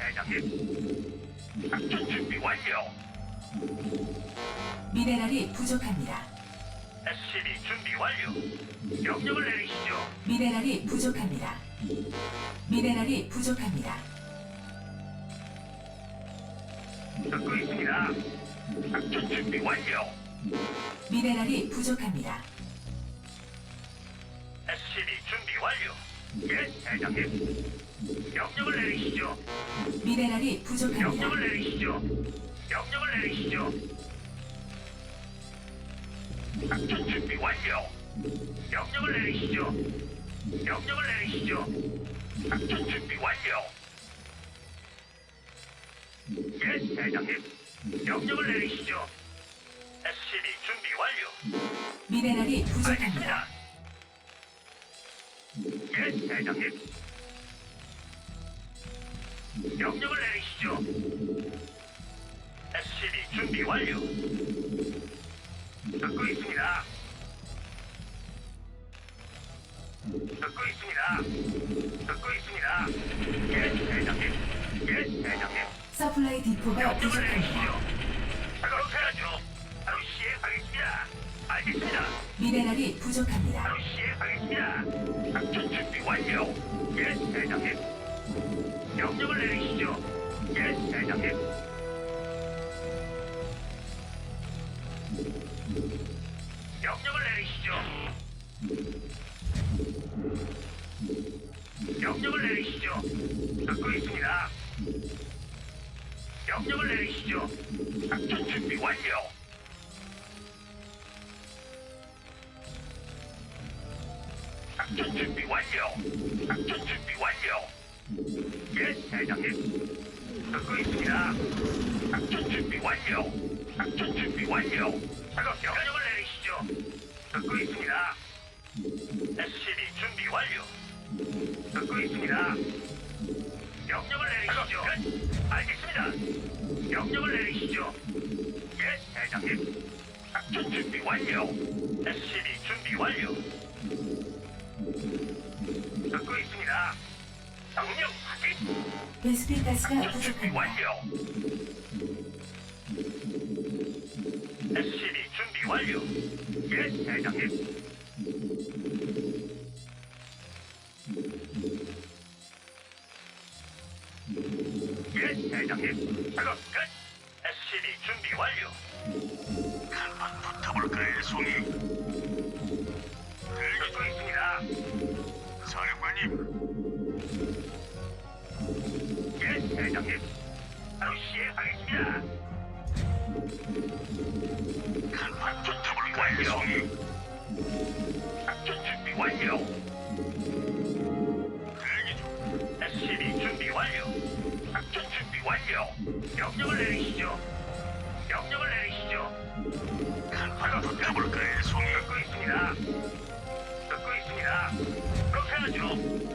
대장님. 작전 준비 완료. 미네랄이 부족합니다. SCB 준비 완료. 명령을 내리시죠. 미네랄이 부족합니다. 미네랄이 부족합니다. 듣고 있습니다. 작전 준비 완료. 미네랄이 부족합니다. SCB 준비 완료. 예, 대장님. 명령을 내리시죠. 미네랄이 부족합니다. 명령을 내리시죠. 명령을 내리시죠. 작전 준비 완료. 명령을 내리시죠. 명령을 내리시죠. 작전 준비 완료. 예, 대장님. 명령을 내리시죠. SCB 준비 완료. 미네랄이 부족합니다. 알겠습니다. 예, 대장님. 명령을 내리시죠. SCB 준비 완료. 듣고 있습니다. 듣고 있습니다. 듣고 있습니다. 예, 대장님. 예, 대장님. 서플라이 디포가 명령을 부족합니다. 내리시죠. 그렇게 하죠. 바로 시행하겠습니다. 알겠습니다. 미네랄이 부족합니다. 바로 시행하겠습니다. 작전 준비 완료. 예, 대장님. 명령을 내리시죠. 예, 대장님. 명령을 내리시죠. 명령을 내리시죠. 듣고 있습니다. 명령을 내리시죠. 작전 준비 완료. 작전 준비 완료. 작전 준비 완료. 예, 대장님. 듣고 있습니다. 작전 준비 완료. 작전 준비 완료. 작업 명령을 내리시죠. 듣고 있습니다. SCB 준비 완료. 듣고 있습니다. 명령을 내리시죠. 알겠습니다. 명령을 내리시죠. 예, 대장님. 작전 준비 완료. SCB 준비 완료. 듣고 있습니다. 명령 확인. 베스핀 가스가 작전 준비 부족합니다. 완료. SCB 준비 완료. 예, 대장님. 예, 대장님. 작업 끝. SCB 준비 완료. 한판 붙어볼까요, 송이? 듣고 있습니다. 사령관님. 예, 대장님. 바로 시행하겠습니다. 한판 붙어볼까요, 송이? 작전 준비 완료. 대기 중. SCB 준비 완료. 작전 준비 완료. 명령을 내리시죠. 명령을 내리시죠. 한판 붙어볼까요, 송이? 듣고 있습니다. 듣고 있습니다. 그렇게 하죠.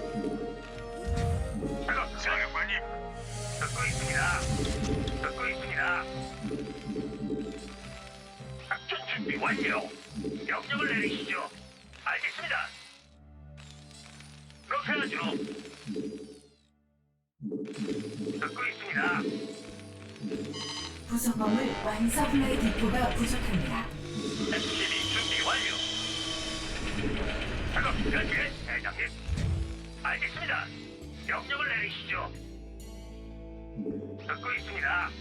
작업 사령관님. 듣고 있습니다. 듣고 있습니다. 작전 준비 완료. 명령을 내리시죠. 알겠습니다. 그렇게 하죠. 듣고 있습니다. 부속범을 완 서플라이 디포가 부족합니다. SCB 준비 완료. 작업 끝. 예, 대장님. 알겠습니다. 명령을 내리시죠. 듣고 있습니다.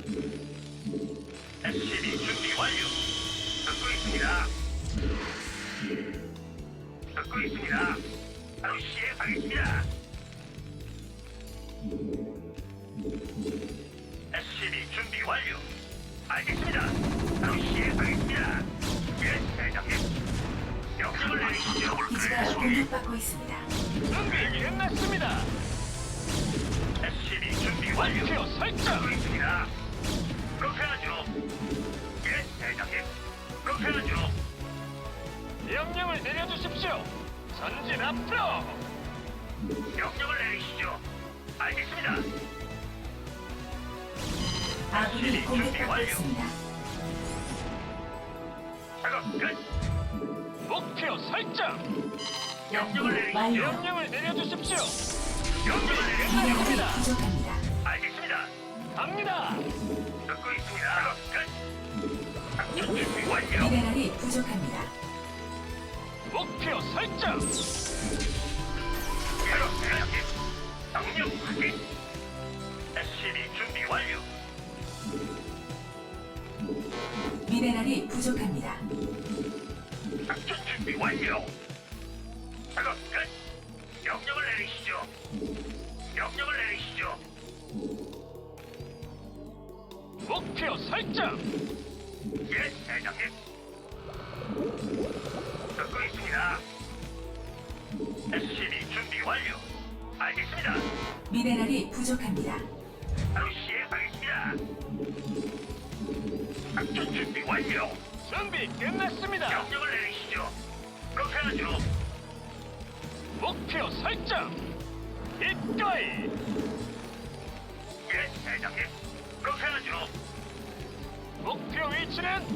SCB 준비 완료. 듣고 있습니다. 듣고 있습니다. 바로 시행하겠습니다. SCB 준비 완료. 알겠습니다. 바로 시행하겠습니다. 예, 대장님. 명령을 내리시죠. 기지가 공격받고 있습니다. 준비 끝났습니다. SCB 준비 완료. 목표 설정. 듣고 있습니다. 그렇게 하죠. 예, 대장님. 그렇게 하죠. 명령을 내려주십시오. 전진 앞으로. 명령을 내리시죠. 알겠습니다. 아군이 공격받고 있습니다. 작업 끝. 목표 설정. 명령을 연구 내리시죠. 완료. 명령을 내려주십시오. 명령을 내리시죠. 미네랄이 끝났습니다. 부족합니다. 알겠습니다. 명령 확인. SCB 준비 완료. 미네랄이 부족합니다. 작전 준비 완료. 작업 끝. 명령을 내리시죠. 명령을 내리시죠. 목표 설정. 예, 대장님. 듣고 있습니다. SCB 준비 완료. 알겠습니다. 미네랄이 부족합니다. 바로 시행하겠습니다. 작전 준비 완료. 준비 끝났습니다. 명령을 내리시죠. 그렇게 하죠. 목표 설정. 기꺼이. 예, 대장님. 그렇게 하죠. 목표 위치는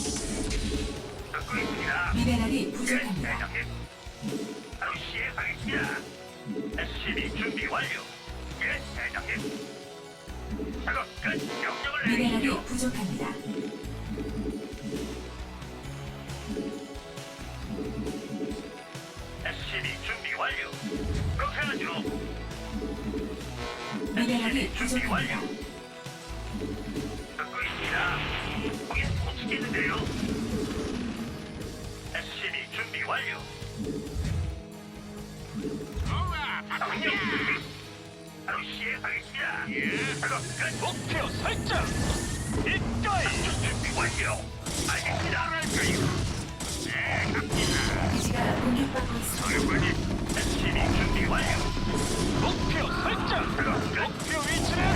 듣고 있습니다. 미네랄이 예, 부족합니다. 대장님. 바로 시행하겠습니다. SCB 준비 완료. 예, 대장님. 작업 끝. 명령을 미네랄이 내리시죠. 부족합니다. SCB 준비 완료. 그렇게 하죠. 미네랄이 SCB 준비 완료. 부족합니다. 듣고 있습니다. 거긴 못 치겠는데요. SCB 준비 완료. 명령 확인. 바로 시행하겠습니다. 예. 작업 끝. 목표 설정. 기꺼이. 작전 준비 완료. 알겠습니다. 네, 갑니다. 기지가 공격받고 있습니다. 사령관님, SCB 준비 완료. 목표 설정. 작업 끝. 목표 위치는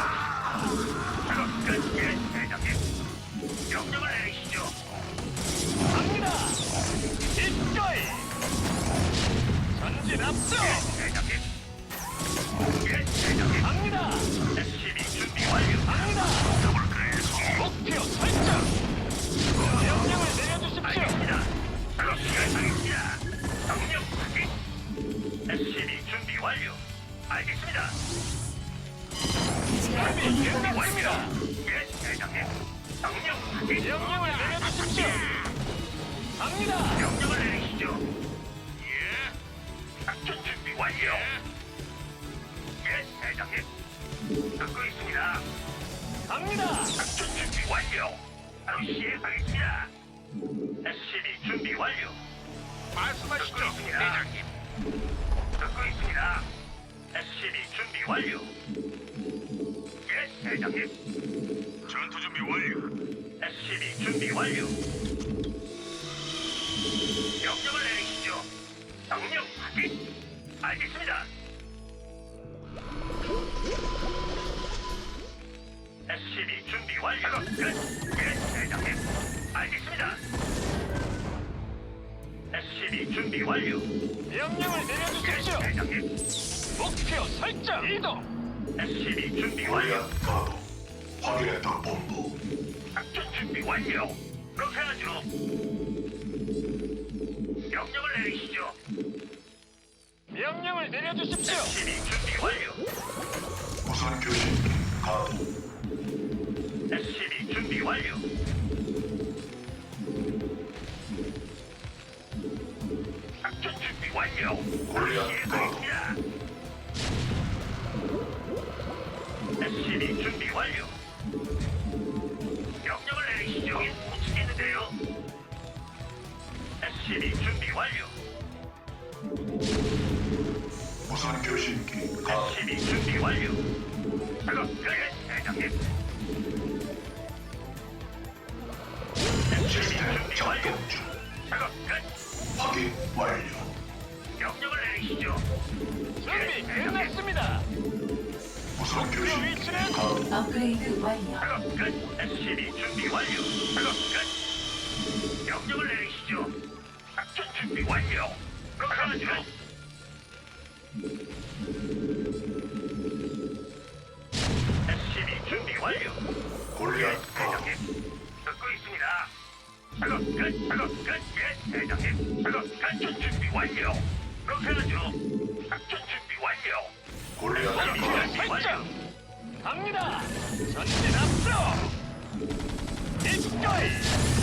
작업 끝. 예, 대장님. 명령을 내리시죠. 갑니다. 기꺼이. 전진 앞서. 대장님. 예, 대장님. 갑니다. SCB 준비 완료. 갑니다. 더블클. 목표 설정. 명령을 내려주십시오. 알겠습니다. 작업 시작하겠습니다. 명령 확인. SCB 준비 완료. 알겠습니다. 기지가 준비 공격받고 있습니다. 끝났습니다. 예, 대장님. 명령 확인. 명령을 내려주십시오. 갑니다. 명령을 내리시죠. 예. 작전 준비 완료. 예, 대장님. 듣고 있습니다. 갑니다. 작전 준비 완료. 바로 시행하겠습니다. SCB 준비 완료. 말씀하시죠, 대장님. 듣고 있습니다. SCB 준비 완료. 예, 대장님. 전투 준비 완료. SCB 준비 완료. 명령을 내리시죠. 명령 확인. 알겠습니다. SCB 준비 완료. 끝. 예, 대장님. 알겠습니다. SCB 준비 완료. 명령을 예, 내려주십시오. 대장님. 목표 설정. 이동. SCB 준비 완료. 골리앗 가도 확인했다 본부. 작전 준비 완료. 그렇게 하죠. 명령을 내리시죠. 명령을 내려주십시오. SCB 준비 완료. 무선 교신기 가도 SCB 준비 완료. 작전 준비 완료. 골리앗 시행하겠습니다. SCB 준비 완료. 명령을 내리시죠. 못 치겠는데요. SCB 준비 완료. 무선 교신기 가도 SCB 준비 완료. 작업 끝. 대장님. SCB 시스템 준비 작동 완료. 중. 작업 끝. 확인 완료. 명령을 내리시죠. 준비 끝났습니다. 무선 교신기 가도 업그레이드 완료. 작업 끝. SCB 준비 완료. 작업 끝. 명령을 내리시죠. 작전 준비 완료. 그렇게 하죠. SCB 준비 완료. 골리앗 가도 대장님. 듣고 있습니다. 작업 끝. 작업 끝. 예, 대장님. 작업 작전 준비 완료. 그렇게 하죠. 작전 준비 완료. 골리앗 목표 가도 설정. 갑니다. 전진 앞으로. 기꺼이.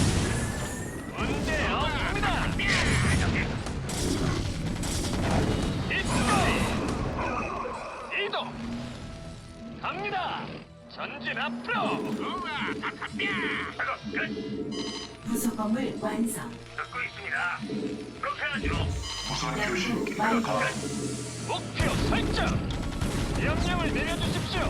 문제 없습니다. 대장님. 기꺼이. 출동. 갑니다. 전진 앞으로. 우와, 바탕뼈. 작업 끝. 부속 건물 완성. 듣고 있습니다. 그렇게 하죠. 무선 연구 교신기가 완료. 가동. 목표 설정. 명령을 내려주십시오.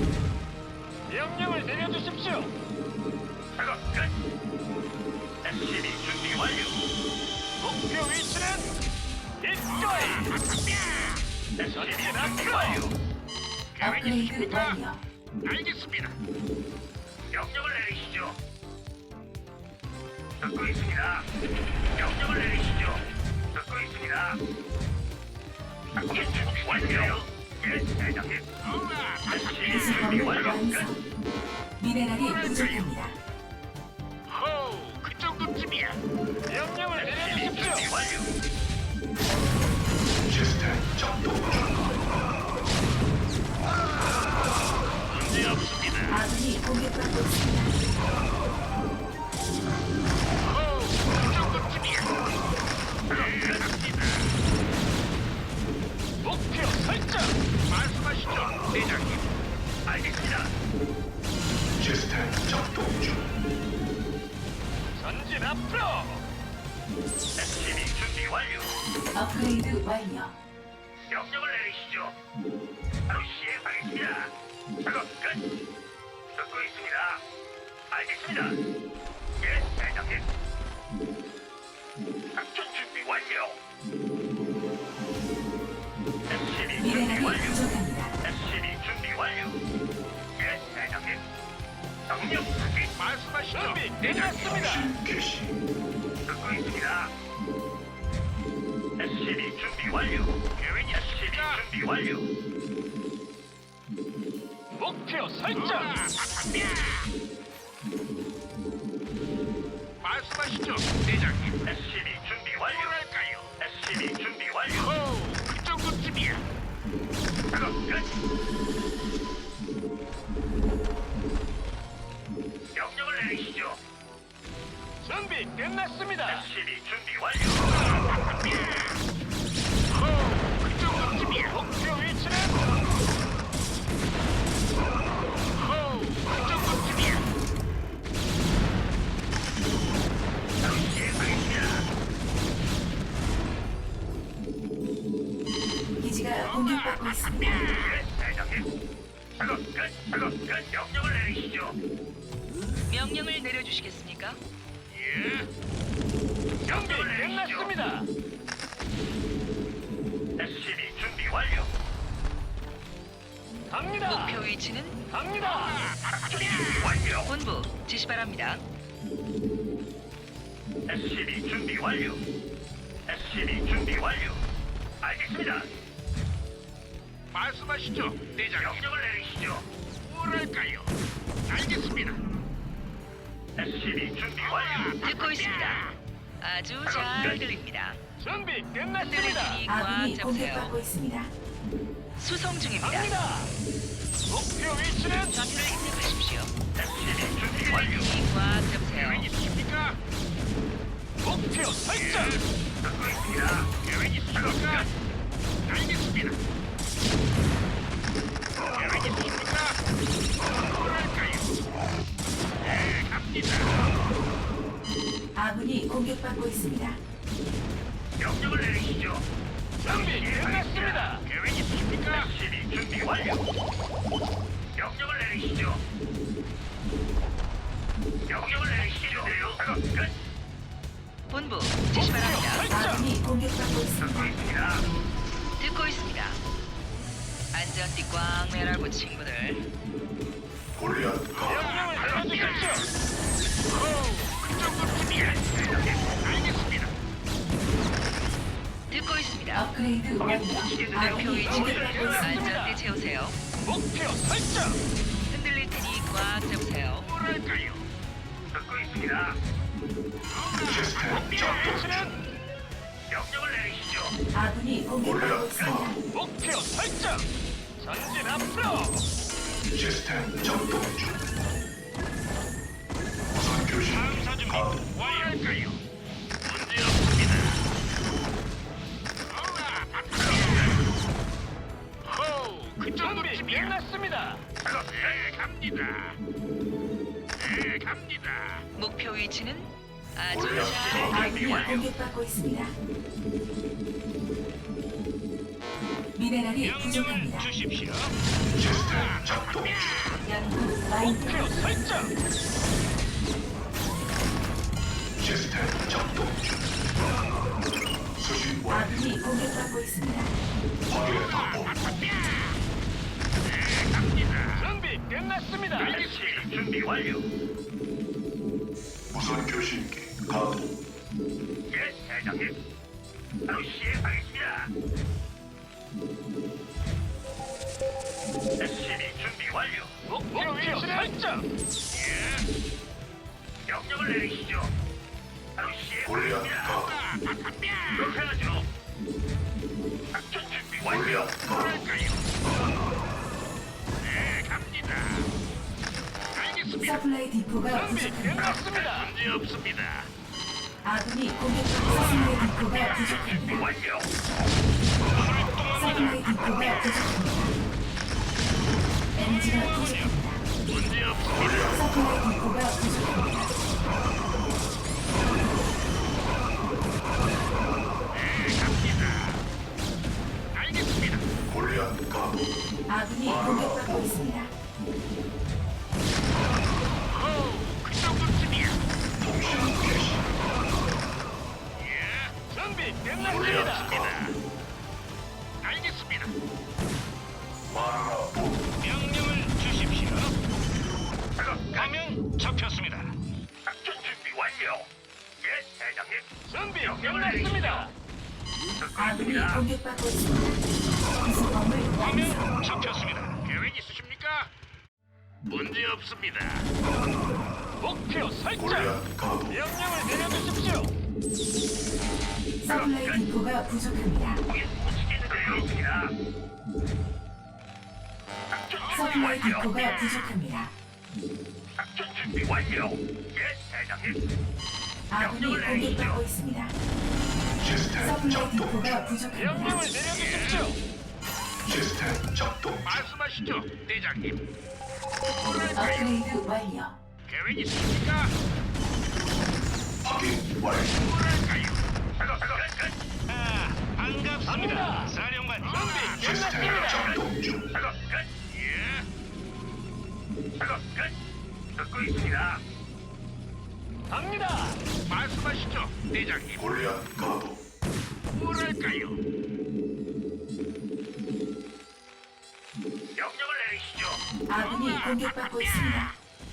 명령을 내려주십시오. 작업 끝. SCB 준비 완료. 목표 위치는 이거이. SCB 준비 완료. 업그레이드 완료. 알겠습니다. 명령을 내리시죠. 듣고 있습니다. 명령을 내리시죠. 듣고 있습니다. 작전 준비 완료. 예, 대장님. SCB 부속 준비 건물 완료. 완성. 미네랄이 부족합니다. 호, 그 정도쯤이야. 명령을 SCB 준비 내려주십시오. 완료. 시스템 작동 중. 문제 없습니다. 아군이 공격받고 있습니다. 호, 그 정도쯤이야. 갑니다. 목표 설정. 말씀하시죠, 대장님. 알겠습니다. 시스템 작동 중. 전진 앞으로. SCB 준비 완료. 업그레이드 완료. 명령을 내리시죠. 바로 시행하겠습니다. 작업 끝. 듣고 있습니다. 알겠습니다. 예, 대장님. 작전 준비 완료. SCB 준비 미네랄이 완료. 부족합니다. SCB 준비 완료. 예, 대장님. 명령 확인. 말씀하시죠. 준비 끝났습니다. 교신 개시. 듣고 있습니다. SCB 준비 완료. 계획 SCB 준비 완료. 목표 설정. 말씀하시죠, 대장님. SCB 준비 완료. 뭐랄까요? SCB 준비 완료. 호, 그 정도쯤이야. 작업 끝. 명령을 내리시죠. 준비 끝났습니다. SCB 준비 완료. 호, 그 정도쯤이야. 목표 위치는 호, 그 정도쯤이야. 바로 시행하겠습니다. 기지가 공격받고 있습니다. 예, 대장님. 작업 끝. 작업 끝. 명령을 내리시죠. 명령을 내려주시겠습니까? 예. 준비 명령을 내리시죠. 끝났습니다. SCB 준비 완료. 갑니다. 목표 위치는 갑니다. 작전 준비 완료. 본부 지시 바랍니다. SCB 준비 완료. SCB 준비 완료. 알겠습니다. 말씀하시죠, 대장. 명령을 내리시죠. 뭐랄까요? 알겠습니다. SCB 준비 완료. 듣고 있습니다. 아주 잘 들립니다. 준비 끝났습니다. 흔들리니 꽉 아군이 잡으세요. 공격받고 있습니다. 수송 중입니다. 갑니다. 목표 위치는 좌표를 입력하십시오. SCB 준비 완료. 흔들리니 꽉 잡으세요. 계획 있으십니까? 목표 설정. 듣고 있습니다. 계획 있으십니까? 알겠습니다. 계획 있으십니까? 뭐랄까요? 네, 갑니다. 아군이 공격받고 있습니다. 명령을 내리시죠. 준비 끝났습니다. 계획 있으십니까? SCB 준비 완료. 명령을 내리시죠. 명령을 내리시죠. 작업 끝. 본부 지시 바랍니다. 설정. 아군이 공격받고 있습니다. 듣고 있습니다. 듣고 있습니다. 안전띠 꽉 매라고 친구들. 골리앗 가동. 명령을 내려주십시오. 그 정도쯤이야. 알겠습니다. 듣고 있습니다. 업그레이드 완료. 목표 아군이 위치는 공격받고 있습니다. 안전띠 채우세요. 목표 설정. 흔들릴 테니 꽉 잡으세요. 뭐랄까요? 듣고 있습니다. 시스템 작동 중. 위치는 명령을 내리시죠. 아군이 공격받고 있습니다. 목표 설정. 전진 앞으로. 시스템 작동 중. 무선 교신기 가동. 뭐랄까요? 문제 없습니다. 호, 그 그 정도쯤이야. 끝났습니다. 작업 끝. 갑니다. 네, 갑니다. 목표 위치는 아주 골리앗 잘 가도. 아군이 공격받고 있습니다. 미네랄이 명령을 부족합니다. 주십시오. 시스템 작동 중. 연구 완료. 목표 설정. 시스템 작동 중. 수신 완료. 아군이 공격받고 있습니다. 확인했다 본부. 네, 갑니다. 준비 끝났습니다. 알겠습니다. 준비 완료. 무선 교신기 가동. 예, 대장님. 바로 시행하겠습니다. SCB 준비 완료. 목표 위치는 설정. 예. 명령을 내리시죠. 바로 골리앗 시행하겠습니다. 가동. 그렇게 하죠. 작전 준비 완료. 골리앗 가동. 뭐랄까요? 네, 갑니다. 알겠습니다. 서플라이 디포가 준비 부족합니다. 끝났습니다. 문제 없습니다. 아군이 공격받고 서플라이 디포가 준비 부족합니다. 완료. 서플라이 디포가 부족합니다. 에너지가 부족합니다. 문제 없습니다. 서플라이 디포가 부족합니다. 네, 갑니다. 알겠습니다. 골리앗 가동. 아군이 공격받고 있습니다. 그 정도쯤이야. 통신 개시. 예, 준비 골리앗 끝났습니다. 가동. 알겠습니다. 마누라 본부. 명령을 주십시오. 작업 화면 잡혔습니다. 작전 준비 완료. 예, 대장님. 준비 끝났습니다. 듣고 아군이 있습니다. 공격받고 있습니다. 구성범을 완성. 화면 잡혔습니다. 계획 있으십니까? 문제 없습니다. 목표 설정. 골리앗 가동. 명령을 내려주십시오. 서플라이 디포가 부족합니다. 거긴 못 있습니다. 작전 준비 서플라이 완료. 디포가 부족합니다. 작전 준비 완료. 예, 대장님. 아군이 공격받고 있습니다. 시스템 서플라이 작동 중. 디포가 부족합니다. 명령을 내려주십시오. 시스템 작동 중. 말씀하시죠, 대장님. 업그레이드 완료. 계획 있으십니까? 확인 완료. 뭐랄까요? 작업 끝. 아, 반갑습니다. 사령관 준비 시스템 끝났습니다. 작동 중. 작업 끝. 예. 작업 끝. 듣고 있습니다. 갑니다. 말씀하시죠, 대장님. 골리앗 가동. 뭐랄까요? 명령을 내리시죠. 아군이 공격받고 있습니다.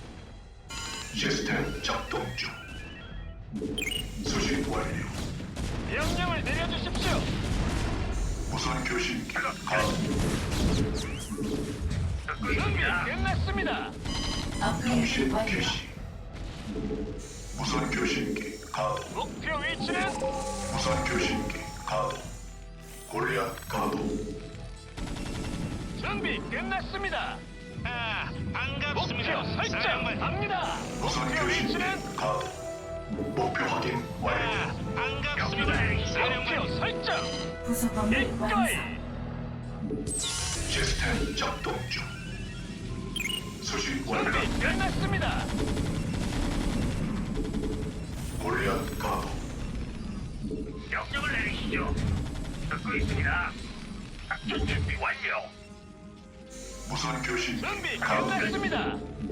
시스템 작동 중. 수신 완료. 명령을 내려주십시오. 무선 교신기 가동. 듣고 준비 있습니다. 끝났습니다. 업그레이드 통신 완료. 개시. 무선 교신기 가동. 목표 위치는 무선 교신기 가동. 골리앗 가동. 준비 끝났습니다. 아, 반갑습니다. 목표 설정. 사령관. 갑니다. 무선 목표 교신기 위치는 가동. 목표 확인 완료. 반갑습니다. 목표 설정. 부속범을 이거이. 완성. 시스템 작동 중. 수신 완료. 준비 끝났습니다. 골리앗 가동. 명령을 내리시죠. 듣고 있습니다. 작전 준비 완료. 무선 교신기 준비 가동. 끝났습니다.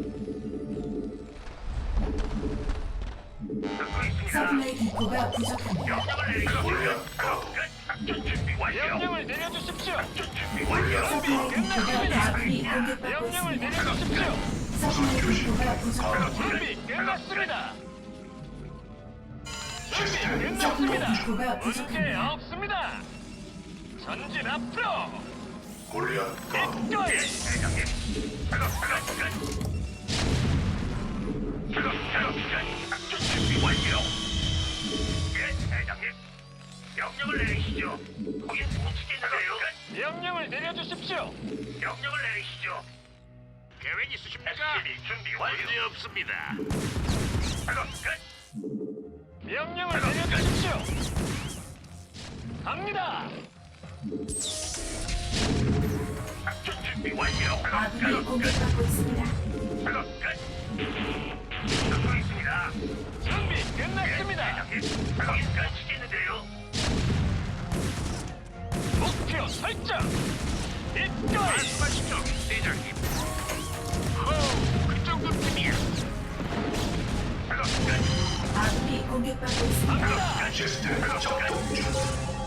듣고 있습니다. 서플라이 디포가 부족합니다. 명령을 내리시죠. 골리앗 가동. 끝. 작전 준비 완료. 명령을 내려주십시오. 작전 준비 완료. 준비 서플라이 디포가 끝났습니다. 아군이 공격받고 명령을 있습니다. 내려주십시오. 서플라이 디포가 부족합니다. 준비 끝났습니다. 준비 시스템 끝났습니다. 디포가 문제 부족합니다. 없습니다. 전진 앞으로. 골리앗 가동. 이거이. 대장님. 작업 끝. 작업 끝. 작전 준비 완료. 예, 대장님. 명령을 내리시죠. 거긴 못 치겠는데요. 끝. 명령을 내려주십시오. 명령을 내리시죠. 계획 있으십니까? 준비 완료. 문제 없습니다. 작업 끝. 명령을 내려주십시오. 갑니다. 작전 준비 완료. 아군이 공격받고 있습니다. 작업 끝. 듣고 있습니다. 준비 끝났습니다. 대장님, 작업 끝 시키는데요. 목표 설정. 입가이. 말씀하시죠, 대장님. 호, 그 정도쯤이야. 작업 끝. 아군이 공격받고 있습니다. 갑니다. 시스템 작동 중.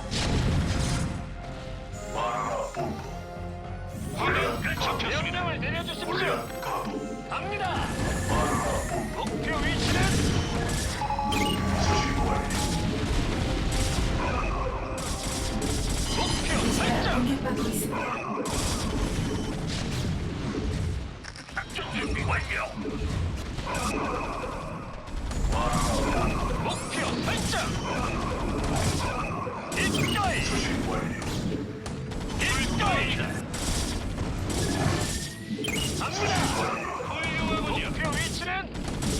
마라 본부. 골리앗 가도. 명령을 내려주십시오. 골리앗 가도. 갑니다. 마라 본부. 목표 위치는 수신 완료. 목표 기지가 설정. 공격받고 있습니다. 작전 준비 완료. 목표 설정. 입가이. 수신 완료. 입가이. 갑니다. 훌륭하군요. 목표 위치는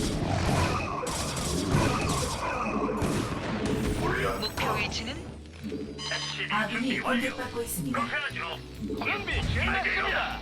골리앗 목표 위치는 SCV 아군이 준비 완료. 공격받고 있습니다. 그렇게 하죠. 준비 끝났습니다.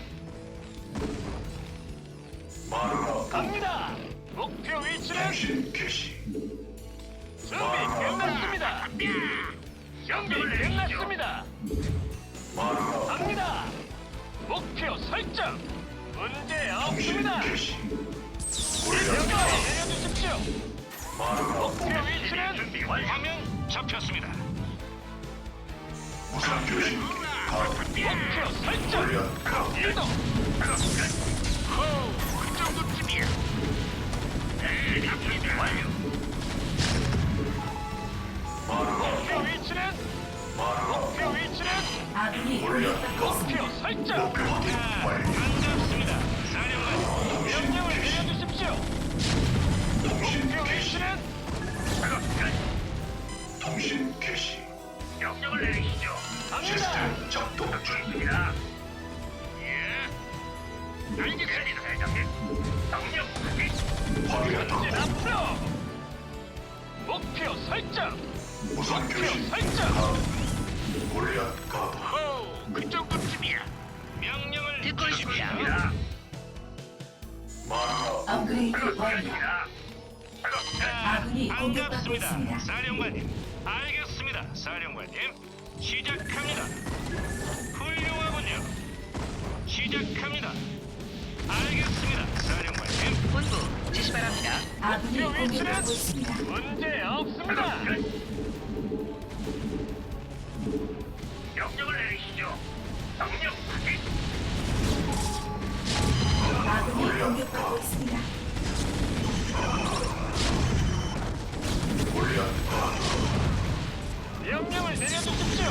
마라 본부. 갑니다. 목표 위치는 통신 개시. 준비 끝났습니다. 준비 끝났습니다. 마라 본부. 갑니다. 목표 설정. 문제 통신 없습니다. 개시. 골리앗 명령을 가도. 내려주십시오. 마라 본부. 목표 위치는 준비 완료. 화면 잡혔습니다. 무선 교신 가도. 목표 설정. 골리앗 가도. 이동. 작업 끝. 호, 그 정도쯤이야. 네, 준비 완료. 마라 목표 본부. 위치는 마라 목표 위치는 아군이 공격받고 있습니다. 목표 설정. 목표 확인 완료. 반갑습니다. 사령관 명령을 내려주십시오. 통신 목표 개시. 위치는 작업 끝. 통신 개시. 명령을 내리시죠. 갑니다. 시스템 작동 듣고 중. 있습니다. 예. 알겠습니다, 대장님. 명령 확인. 확인했다. 전진 앞으로. 목표 설정. 무선 목표 교신 설정. 가도. 골리앗 가도. 호, 그 정도쯤이야. 명령을 듣고 있습니다. 입니다. 마라 업그레이드 작업 완료. 끝입니다. 작업 끝. 아군이 공격받고 있습니다. 사령관님. 알겠습니다, 사령관님. 시작합니다. 훌륭하군요. 시작합니다. 알겠습니다, 사령관님. 본부 지시 바랍니다. 아군이 공격받고 있습니다. 문제 없습니다. 작업 끝. 명령을 내리시죠. 명령 확인. 아군이 공격받고 있습니다. 골리앗 가도. 명령을 내려주십시오.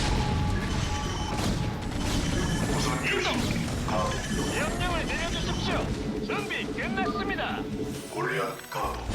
무선 교신 가도. 명령을 내려주십시오. 준비 끝났습니다. 골리앗 가도.